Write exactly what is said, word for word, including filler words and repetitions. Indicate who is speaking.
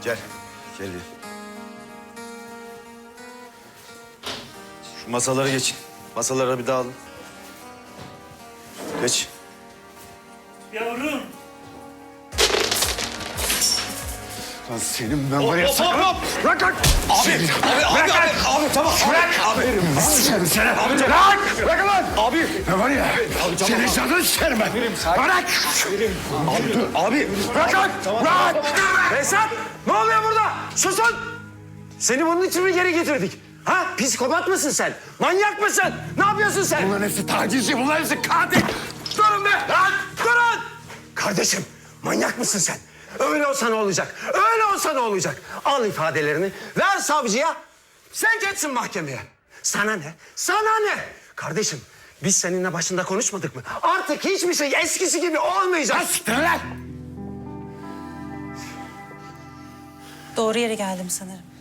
Speaker 1: Gel. Gel bir. Şu masalara geçin. Masalara bir dağılın. Geç.
Speaker 2: Yavrum.
Speaker 3: Lan senin ben var ya
Speaker 1: hop,
Speaker 3: sakın.
Speaker 1: hop.
Speaker 3: Bırak lan.
Speaker 1: Abi, abi, abi, abi, abi, tamam.
Speaker 3: Bırak.
Speaker 1: Abi,
Speaker 3: Seni seni.
Speaker 1: Abi,
Speaker 3: Bırak. Bırak lan.
Speaker 1: abi.
Speaker 3: Ne var ya?
Speaker 1: Abi, tamam,
Speaker 3: Senin
Speaker 1: abi.
Speaker 3: canını isterim ben. Bırak.
Speaker 1: Abi, dur. Abi.
Speaker 3: Bırak lan. Bırak.
Speaker 4: Esat, ne oluyor burada? Susun! Seni bunun için mi geri getirdik? Ha? Psikopat mısın sen? Manyak mısın? Ne yapıyorsun sen?
Speaker 3: Bunların hepsi tacizci, bunların hepsi katil.
Speaker 4: Durun be! Lan! Durun! Kardeşim, manyak mısın sen? Öyle olsa ne olacak? Öyle olsa ne olacak? Al ifadelerini, ver savcıya. Sen geçsin mahkemeye. Sana ne? Sana ne? Kardeşim, biz seninle başında konuşmadık mı? Artık hiçbir şey eskisi gibi olmayacak.
Speaker 3: Siktir lan.
Speaker 5: Doğru yere geldim sanırım.